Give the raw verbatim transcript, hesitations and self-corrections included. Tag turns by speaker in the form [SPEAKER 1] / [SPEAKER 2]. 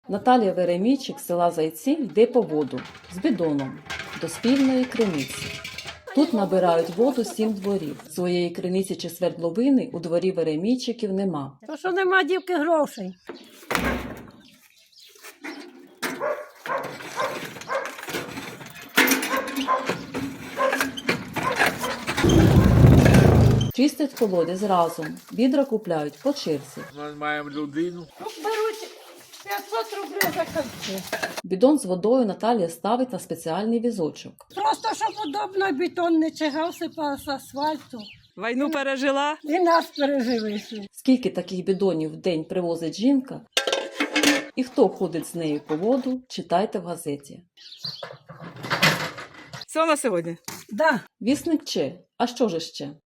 [SPEAKER 1] Наталія Веремійчик з села Зайців йде по воду з бідоном до спільної криниці. Тут набирають воду сім дворів. Своєї криниці чи свердловини у дворі Веремійчиків нема.
[SPEAKER 2] То що нема дівки грошей.
[SPEAKER 1] Чистять колодязь разом, відра купляють по черзі.
[SPEAKER 3] Ми маємо людину.
[SPEAKER 2] Беруть п'ятсот рублів за кільце.
[SPEAKER 1] Бідон з водою Наталія ставить на спеціальний візочок.
[SPEAKER 2] Просто щоб удобно бетон не чигався по асфальту.
[SPEAKER 4] Війну пережила?
[SPEAKER 2] І нас пережили.
[SPEAKER 1] Скільки таких бідонів в день привозить жінка і хто ходить з нею по воду, читайте в газеті.
[SPEAKER 4] Все на сьогодні?
[SPEAKER 2] Да.
[SPEAKER 1] Вісник Че. А що ж ще?